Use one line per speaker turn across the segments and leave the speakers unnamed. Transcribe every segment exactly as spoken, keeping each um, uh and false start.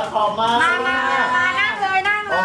พร้อมมาก
มามามานั่งเลยนั่งเลย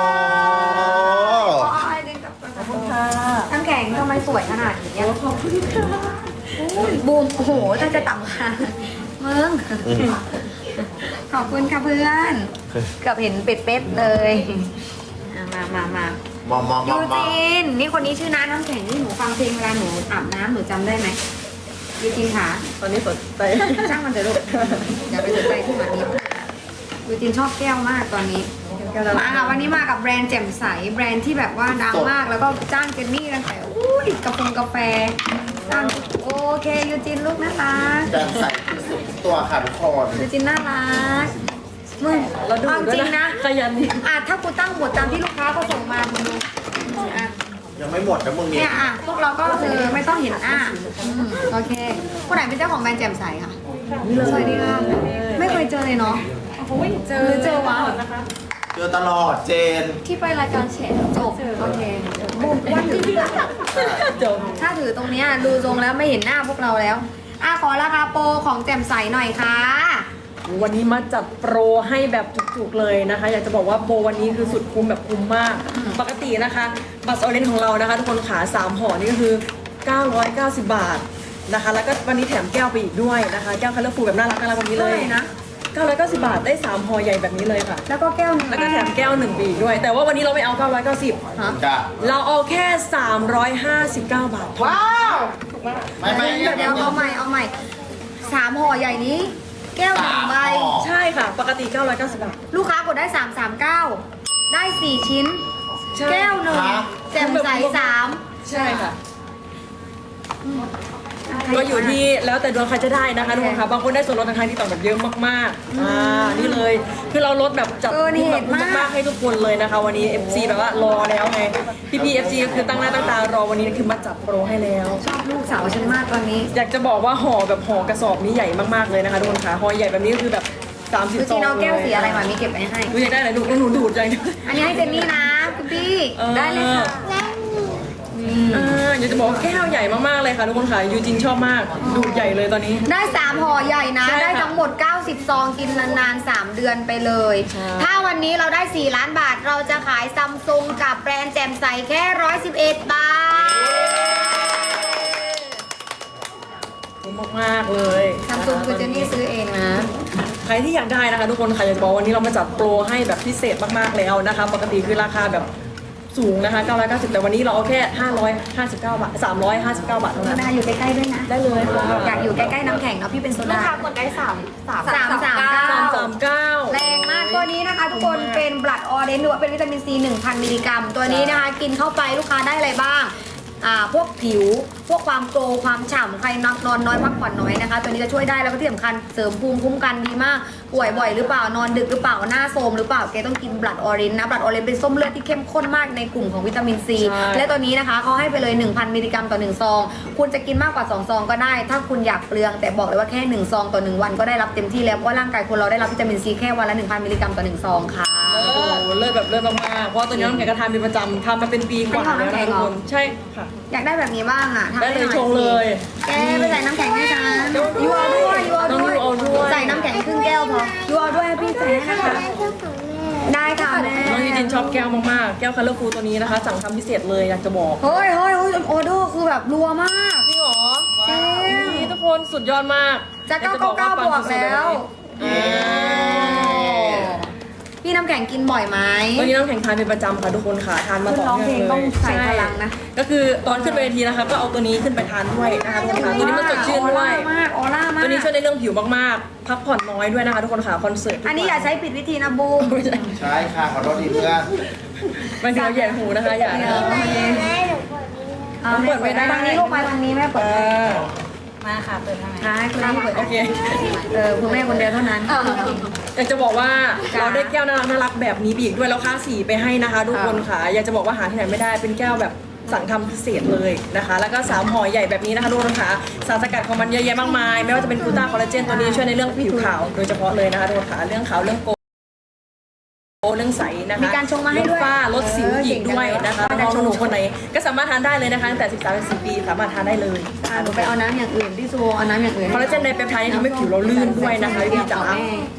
ขอให้ดึงกับน้ำแข็งทำไมสวยขนาดนี้ขอบคุณค่ะบูมโอ้โหถ้าจะต่ำค่ะมึงขอบคุณค่ะเพื่อนเกือบเห็นเป็ดเป็ดเลยมามามา
มอมมอมม
ยู
อม
จินนี่คนนี้ชื่อน้าน้ำแข็งที่หนูฟังเพลงเวลาหนูอาบน้ำหนูจำได้ไหมยูจินค่ะ
ตอนนี้สนใจ
ช่างมันเถอะลูกอย่าไปสนใจที่มันนี้ยูจินชอบแก้วมากตอนนี้มาค่ะวันนี้มากับแบรนด์แจ่มใสแบรนด์ที่แบบว่าดังมากแล้วก็จ้างเจนนี่กันแต่อุ้ยกาแฟกาแฟจ้างโอเคยูจินลูกน่ารัก
แจ่มใสที่สุดตัวค่ะทุกคน
ยูจินน่ารักมึง
เราดู
เอา
ด้ว
จ
ย
ริงนะ
ขยันนี่
อ่ะถ้ากูตั้งบทตามที่ลูกค้าเขาส่งมามึงดูอ่ะ
ยังไม่หมดนะมึงเนี่
เนี่ย ยอ่ะพวกเราก็คือไม่ต้องเห็นอ่ะอืมโอเคคนไหนเป็นเจ้าของแบรนด์แจ่มใสค่ะสวัสดีค่ะไม่เคยเจอเลยเนาะเจอเจอวะ
เจอตลอดเจน
ที่ไปรายการแฉจบโอเคบุมว่าถือ
จบ
ถ้าถือตรงเนี้ยดูทรงแล้วไม่เห็นหน้าพวกเราแล้วอ่ะขอราคาโปรของแจ่มใสหน่อยค่ะ
วันนี้มาจัดโปรให้แบบจุกๆเลยนะคะ อยากจะบอกว่าโปรวันนี้คือสุดคุ้มแบบคุ้มมาก ปกตินะคะบัตรออเรนจ์ของเรานะคะทุกคนขาสามห่อนี่ก็คือเก้าร้อยเก้าสิบบาทนะคะแล้วก็วันนี้แถมแก้วไปอีกด้วยนะคะแก้วคัลเลอร์ฟูลแบบน่ารักน่ารักแบบนี้เลย
เท่าไหร่นะ
เก้าร้อยเก้าสิบบาทได้สามห่อใหญ่แบบนี้เลยค่ะ
แล้วก็แก้วหนึง
แล้วก็แถมแก้วหนึ่งไปอีกด้วย แต่ว่าวันนี้เราไม่เอาเก้าร้อยเก้าสิบ
ฮะ
จ้ะ
เราเอาแค่สามร้อยห้าสิบเก้าบาท
ว้าวไม่ไม่
เดี๋ยวเดี๋ยวเอาใหม่เอาใหม่สามห่อใหญ่นี้ แก้วหนึ่งใบ
ใช่ค่ะ ปกติเก้าร้อยเก้าสิบบาท
ลูกค้ากดได้สามสามเก้าได้สี่ชิ้น
ใช่
แก้วหนึ่งแจ่มใสสาม
ใช่ค่ะ ก็อยู่ที่แล้วแต่ดวงใครจะได้นะคะทุกคนค่ะบางคนได้ส่วนลดทางที่ต่างแบบเยอะมากๆอ่านี่เลยคือเราลดแบบจัดคุ้มแบบคุ้มมากๆให้ทุกคนเลยนะคะ วันนี้ เอฟ ซี แบบว่ารอแล้วไงพี่พี เอฟ ซี ก็คือตั้งหน้าตั้งตารอวันนี้คือมาจัดโปรให้แล้ว
ชอบลูกสาวฉันมากตอนนี้
อยากจะบอกว่าห่อแบบห่อกระสอบนี้ใหญ่มากๆเลยนะคะทุกคนค่ะห่อใหญ่แบบนี้ก็คือแบบสามสิบ
ดู
ซ
จี
อง
เอา
เลย
แก้วสีอะไรมามีเก็บไว้ให้
ดูอยากได้อะไรดูหนูดูดใจ
อันนี้ให้เจนนี่นะคุณพี่ได้เลยค่ะนี่
อ่าอยากจะบอกว่าแก้วใหญ่มากๆเลยค่ะทุกคนค่ะยูจินชอบมากดูดใหญ่เลยตอนนี้
ได้สามห่อใหญ่นะ
ใช่ค่ะ
ได้ทั้งหมดเก้าสิบซองกินนานๆสามเดือนไปเลย
ใช่
ถ้าวันนี้เราได้สี่ล้านบาทเราจะขายซัมซุงกับแบรนด์แจ่มใสแค่หนึ่งร้อยสิบเอ็ดบาท
คุ้มมากๆเลย
ซัมซุงคือเจนนี่ซื้อเองนะ
ใครที่อยากได้นะคะทุกคนค่ะอยากจะบอกวันนี้เรามาจัดโปรให้แบบพิเศษมากๆแล้วนะคะ ปกติคือราคาแบบสูงนะคะเก้าร้อยเก้าสิบแต่วันนี้เราเอาแค่ห้าร้อยห้าสิบเก้าบาทสามร้อยห้าสิบเก้าบาทเท่านั้น
นาอยู่ใกล้ๆด้วยนะ
ได้เลยค่ะ
อยากอยู่ใกล้ๆน้ำแข็งเนาะพี่เป็นโซ
ลูก
ดา
ค้ากดได้สามสาม
สามสามเก้า
สามสามเก้า
แรงมากตัวนี้นะคะ ทุกคนเป็นบลัดออเรนจ์หรือว่าเป็นวิตามินซีหนึ่งพันมิลลิกรัม ตัวนี้นะคะกินเข้าไปลูกค้าได้อะไรบ้างอ่าพวกผิวพวกความโกลว์ความฉ่ำใครนอนนอนน้อยพักผ่อนน้อยนะคะ ตัวนี้จะช่วยได้แล้วก็ที่สำคัญเสริมภูมิคุ้มกันดีมากป่วยบ่อยหรือเปล่านอนดึกหรือเปล่าหน้าโทรมหรือเปล่าแกต้องกินบลัดออเรนจ์นะบลัดออเรนจ์เป็นส้มเลือดที่เข้มข้นมากในกลุ่มของวิตามินซี
ใช่
และตัวนี้นะคะเขาให้ไปเลย หนึ่งพันมิลลิกรัมต่อหนึ่งซองคุณจะกินมากกว่าสองซองก็ได้ ถ้าคุณอยากเปลืองแต่บอกเลยว่าแค่หนึ่งซองต่อหนึ่งวันก็ได้รับเต็มที่แล้วเพราะว่าร่างกายคนเราได้รับวิตามินซีแค่วันละหนึ่งพันมิลลิกรัมต่อหนึ่งซองค่ะ
โอ้โหเลิศแบบเลิศมากๆเพราะว่าตัวนี้น้องแข็งก็ทานเป็นประจำทำมาเป็นปีกว่าแล้วนะคะทุกคนใช่ค่ะ
อยากได้แบบนี้บ้างอ่ะทำ
ได้
ให้
เลย
หน่อ
ชงเลย
แกไปใส่น้ำแข็งให้ฉันยูเอาด้วยยูเอา
น้อง
ด้วย
ยูเอาด้วย
ใส่น้ำแข็งครึ่งแก้วพอยูเอาด้วยให้พี่ใส่ให้นะคะได้ค่ะแม่
น้องยูจินชอบแก้วมากๆแก้วคัลเลอร์ฟูลตัวนี้นะคะสั่งทำพิเศษเลยอยากจะบอก
เฮ้ยเฮ้ยเฮ้ยออเดอร์คือแบบรัวมาก
จริงเหรอ
จริง
นี่ทุกคนสุดยอดมาก
จะ
อย
เก้าเก้าเก้าบวกแล้ว
อ่า
พี่น้ำแข็งกินบ่อยไหม
วันนี้น้ำแข็งทานเป็นประจำค่ะทุกคนค่ะทานมาต่อ
ร้องเพล
เนื่อง งเลย
ต้องใส่พลังนะ
ก็คือตอนขึ้นเวทีนะคะก็เอาตัวนี้ขึ้นไปทานด้วยนะคะทุกคนค่ะตัวนี้มันสดชื่น
ออ
ด้ว
ร่าย มากออร่ามาก
ตัวนี้ช่วยในเรื่องผิวมากๆ พักผ่อนน้อยด้วยนะคะทุกคนค่ะคอนเสิร์ตทุกวั
อันนี้อย่าใช้ผิดวิธีนะบูม
ไม่ใช่
ใช่ค่ะขอโทษทีเพื่อน
ไม่ใช่เราแย่หูนะคะอย่านะ
เอาแม่เปิดทางนี้ลูกมาทางนี้แม่เปิ
เอ
ด
อ
มาค่ะเปิดทำไม
ใช่คุณแม่เปิด
โอเค
เออคุณแม่คนเดียวเท่านั้น
อยากจะบอกว่า
จ้ะ
เราได้แก้วน่ารักน่ารักแบบนี้ไปอีกด้วยแล้วค่าสีไปให้นะคะทุกคนค่ะอยากจะบอกว่าหาที่ไหนไม่ได้เป็นแก้วแบบสั่งทำพิเศษเลยนะคะ แล้วก็สามห่อใหญ่แบบนี้นะคะทุกคนค่ะสารสกัดของมันเยอะแยะมากมาย ไม่ว่าจะเป็นกลูต้าคอลลาเจนตัวนี้ช่วยในเรื่องผิวขาวโดยเฉพาะเลยนะคะทุกคนค่ะเรื่องขาวเรื่องโกเรื่องใสนะคะ
มีการชงมาให้ด้วย
ลฝ้าลดสิวอีกด้วยนะคะ
เออ
น้อง
ชง
หนูคนไหนก็สามารถทานได้เลยนะคะตั้งแต่สิบสามถึงสิบปีสามารถทานได้เลย
อ่ะหนูไปเอาน้ำอย่างอื่นพี่ซูเอาน้ำอย่างอื่น
คอลลาเจนในเปปไทด์ทำให้ผิวเราลื่นด้วยนะคะพี่จ๋า
แม่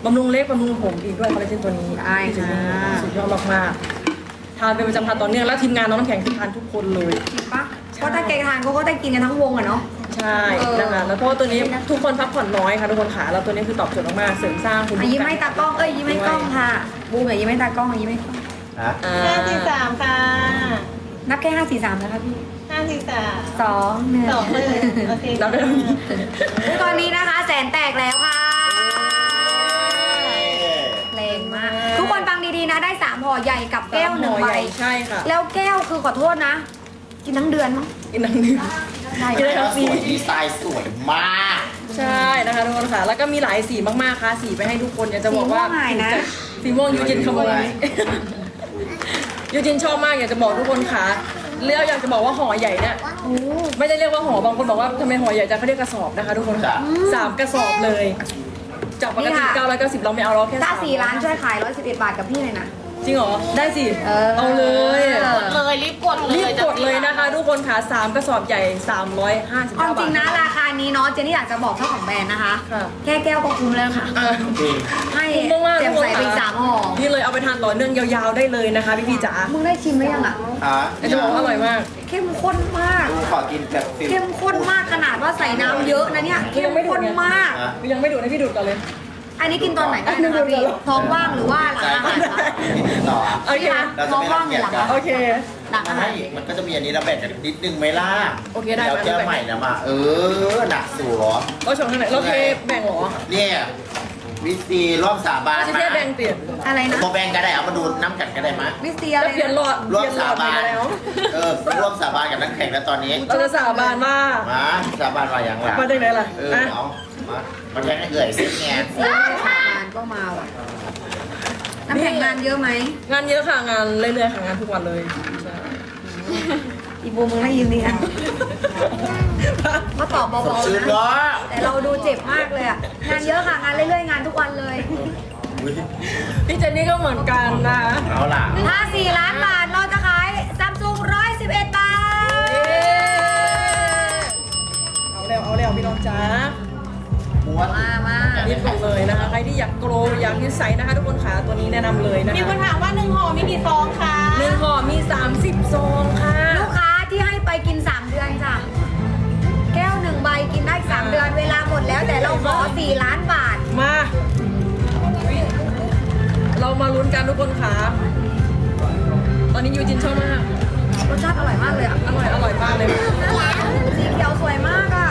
บำรุงเล็บบำรุงผมอีกด้วยคอลลาเจนตัวนี้
ได้ค่ะ
สุดยอดมากๆทานเป็นประจำทานต่อเนื่องแล้วทีมงานน้องน้ำแข็งคือทานทุกคนเลย
จริงปะเพราะถ้าแกทานเขาก็ได้กินกันทั้งวงอะเนาะ
ใช่
เออ
นะคะแล้วเพราะว่าตัวนี้ทุกคนพักผ่อนน้อยค่ะทุกคนขาแล้วตัวนี้คือตอบโจทย์มากๆเสริมสร้างคุณ
อ่ะยิ้มให้ตากล้องเอ้ยยิ้มให้กล้องค่ะบูมอย่ายิ้มให้ตากล้องยิ้มให้กล้อง
นะ
อ่า
ห้าสี่สามค่ะ
นับแค่ห้าสี่สามนะคะพี่
ห้าสี่สาม
สองหนึ่ง
สองหนึ่งโอเค
เราได้ตรงนี้
ตอนนี้นะคะแสนแตกแล้วค่ะแรงมาก ทุกคนฟังดีๆนะได้สามห่อใหญ่กับแก้วหนึ่งใบ
ใช่ค่ะ
แล้วแก้วคือขอโทษนะ กินทั้งเดือนมั้ง
กินนังนึง
ได้
กินได้
แล้ว
ทั้ง
ส
ปี
วยดีไซน์สวยมาก
ใช่นะคะทุกคนค่ะแล้วก็มีหลายสีมากๆค่ะสีไปให้ทุกคนอยากจะบอกว่า
สีม่วงหายนะ
สีม่วงยูจินขโมยยูจินชอบมากอยากจะบอกทุกคนค่ะเรียกอยากจะบอกว่าห่อใหญ่เนี่ย
โอ้
ไม่ได้เรียกว่าห่อบางคนบอกว่าทำไมห่อใหญ่จังเขาเรียกกระสอบนะคะทุกคนค่ะสามกระสอบเลยจากปกติเก้าร้อยเก้าสิบเราไม่เอาเราแค่
ถ้า
สาม
สี่ร้านช่วยขายร้อยสิบเอ็ดบาทกับพี่เลยนะ
จริงเหรอได้สิ
เออ
เอาเลย
กดเลยรีบกดเลย
รีบกดเลยนะคะทุกคนค่ะสามกระสอบใหญ่สามร้อยห้าสิบ
เอา
เก้า
จ
บา
ริ
ท
งนะราคานี้เนาะเจนนี่อยากจะบอกเจ้าของแบรนด์นะคะ
ค่ะ
แค่แก้วก็คุ้มแล้วค่ะ
อ่ะ
จริง
ให้
คุ้มมากๆ
เต็ม
ทุกคน
ใส่ไปอีก
ค่ะ
สามห่อ
นี่เลยเอาไปทานต่อเนื่องยาวๆได้เลยนะคะพี่พี่ๆจ๋า
มึงได้ชิมหรือยังอ่ะ
ฮะ
ไอ้จะบอกว่าอร่อยมาก
เข้มข้นมาก
ดูขอกินแบบฟิล
เข้มข้นมากขนาดว่าใส่น้ำเยอะนะเนี่ยเข้มข้นมาก
อ่ะ
ยังไม่ดูนะพี่ดูดก่อนเลย
อันนี้กินตอนไหนได้นะคะพี่ท้องว่างหรือว่าหลังอาหารคะ
กินต่อ
โอเค
พี่คะ
เราจะ
ท้อง
ไม่
ว่า
รั
ง
ง
ห
เกี
รือย ห
จ
ลัง
กัน
อาหาร
โอเค
หลังอาหาร
ไม่มันก็จะมีอันนี้เราแบ่งกันนิดนึงไหมล่ะ
โอเคได้
เดี๋ยว
มา
แก้วใหม่นะมา เออหนักสัว
เราชมทางไหนเราเทแบ่งเหรอ
เนี่ยวิซีร่วมสาบาน
เราจะเทแบ่งเปลี่ยน
อะไรนะ
โมแบงก็ได้เอามาดูน้ำกันก็ได้มะ
วิสเตียอะไร
แล้วเปลี่ยนหลอด
ร่วม
เปลี่ยนหล
สา
อด
บาน
ไปแล้ว
เออร่วมสาบานกับนักแข่งแล้วตอนนี้
เราจะสาบานว่า
มาสาบานว่าอย่างไร
มาจากไหนล่ะ
เออ
อ่ะ
เอามามาแข่งให้เอื่อยสิแง
เสียงานก็มาว่ะน้ำแข็งงานเยอะไหม
งานเยอะค่ะงานเรื่อยๆค่ะงานทุกวันเลยใช่
อีบูมึงไม่ยิ้มดีนะก็ตอบ
สด
เบา
ชื่น
ๆนะ
เนาะ
แต่เราดูเจ็บมากเลยอะงานเยอะค่ะงานเรื่อยๆงานทุกวันเลย
อุ๊ย
พี่เจนนี่ก็เหมือนกันนะ
เอาล่ะ
ถ้าสี่ล้านบาทเราจะขายซัมซุงร้อยสิบเอ็ดบาท
เอาแล้วเอาแล้วพี่น้องจ๋า
ม้วน
มามา
รีบกดเลยนะคะใครที่อยากโกรอยากยืดใสนะคะทุกคนค่ะตัวนี้แนะนำเลยนะคะ
มีคนถามว่าหนึ่งห่อมีกี่ซองคะ
หนึ่งห่อมีสามสิบซองค่ะ
ลูกค้าที่ให้ไปกินสามเดือนจ้ะแก้วหนึ่งใบกินได้สามเดือนเวลาหมดแล้วแต่เราขอสี่ล้านบาท
มา เรามาลุ้นกันทุกคนค่ะตอนนี้ยูจินชอบมาก
รสชาติอร่อยมากเลยอะ
อร่อยอร่อยมากเลย
สีเขียวสวยมากอะ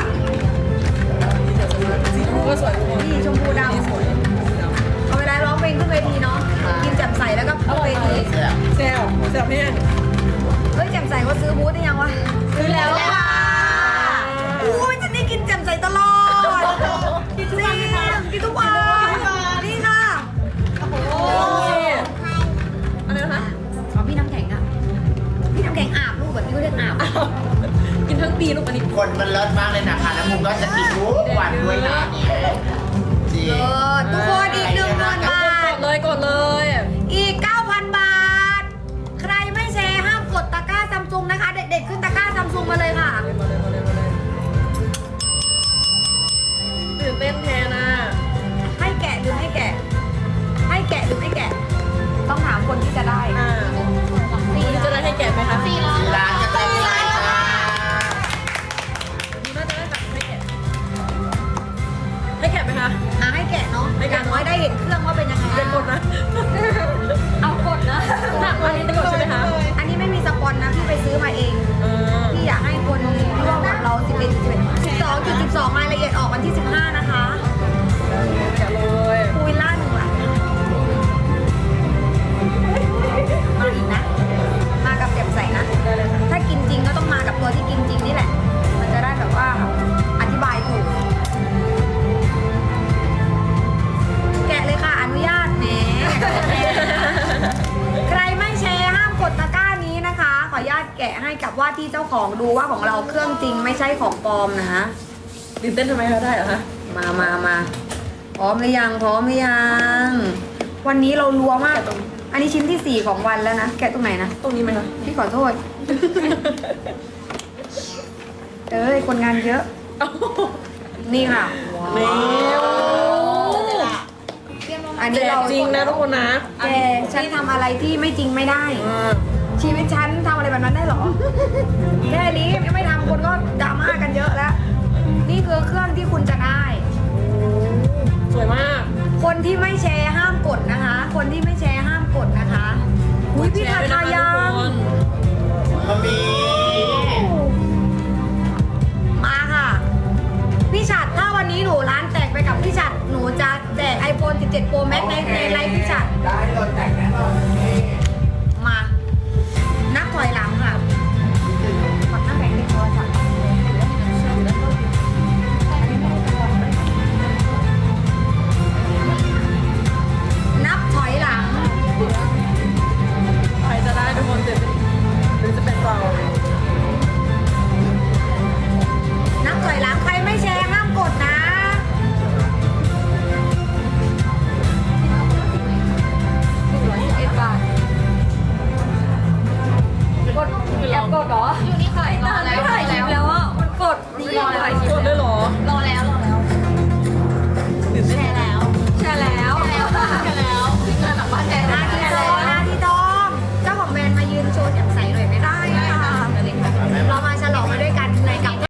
สีชมพูก็สวยทุกคน
นี่ชมพูด
นี่สวย
ำเอาเวลาร้องเพลงขึ้นเวทีเนาะกินแจ่มใสแล้วก็ขึ้นเวที
เนี่ย
แซ่บแซ่บแห้ง
เฮ้ยแจ่มใสว่าซื้อบูธได้ยังวะ
ซื้อแล้วค่ะ
อุ้ยจะได้กินแจ่มใสตลอดกินทุกวันกินทุกวันนี่ค่ะ
นี่อะไรนะคะ
ของพี่น้ำแข็งอะพี่น้ำแข็งอาบลูกแบบนี้ก็เรียกอาบ
กินทั้งปีลูกอันนี้
คนมันเลิศมากเลยนะคะแล้วมุมก็จะกินทุกวันด้วยนะเนี่ยจริง
เออทุกคนอีกหนึ่งหมื่นบาก ท
ดเลยกดเลย
อีก เก้าพัน บาท ใครไม่แชร์ห้ามกดตะกร้าซัมซุงนะคะ เด็กๆขึ้นตะกร้าซัมซุงมาเลยค่ะ
มาเลยมาเลยมาเลยตื่นเต้นแทนอ่ะ
ให้แกะหรือให้แกะ ให้แกะหรือไม่แกะ ต้องถามคนที่จะได้
อ่าวันนี้จะได้ให้แกะไหมคะสี่ร้อย
ร้านจะเต็มเลยจ้า
น่าจะได้ค่ะให้แกะให้แกะไหมคะ
อ่ะให้แกะเนาะ
ให้
อ
แกะ
ย่างน้อยได้เห็นเครื่องว่าเป็นยังไง
เดี๋ยวกดนะ
เอากดนะ
ค่ะอันนี้จะกดใช่ไหมคะ
อันนี้ไม่มีสปอนนะพี่ไปซื้อมาเอง
เออ
พี่อยากให้คนร่วมกับเราสิบเอ็ดสิบเอ็ดสิบสองจุดสิบสองรายละเอียดออกวันที่สิบห้านะคะ
แกะเลย
พูวิลล่าหนึ่งหลังมาอีกนะ มากับแจ่มใสนะ
ได้เลยค่ะ
ถ้ากินจริงก็ต้องมากับตัวที่กินจริงนี่แหละ มันจะได้แบบว่าอธิบายถูก แกะเลยค่ะ อนุญาตแหม ใครไม่แชร์ห้ามกดตะกร้านี้นะคะ ขออนุญาตแกะให้กับว่าที่เจ้าของดูว่าของเราเครื่องจริงไม่ใช่ของปลอมนะ
ตื่นเต้นทำไมเขาได้เหรอคะ
มามามาพร้อมหรือยัง พร้อมหรือยัง วันนี้เรารัวมาก อันนี้ชิ้นที่สี่ของวันแล้วนะ แกะตรงไหนนะ
ตรงนี้ไหมคะ
พี่ขอโทษ เอ้ย คนงานเยอะ นี่ค่ะ
เร็ว
เตรียมลงอัน
แจ
นี้
ก
เรา
จริงนะทุกคนนะ
แกฉันทำอะไรที่ไม่จริงไม่ได้
อ่า
ชีวิตฉันทำอะไรแบบนั้นได้เหรอ แค่นี้ยังไม่ทำคนก็ดราม่ากันเยอะแล้ว นี่คือเครื่องที่คุณจะได้
สวยมาก
คนที่ไม่แชร์ห้ามกดนะคะ คนที่ไม่แชร์ห้ามกดนะคะอุ้ยพี่ทาทายัง
มันมี
มาค่ะ พี่ฉัดถ้าวันนี้หนูร้านแตกไปกับพี่ฉัดหนูจะแจก iPhone สิบเจ็ด Pro Max ในในไลฟ์พี่ฉัด
ได้โดนแต่งแน่นอนนี่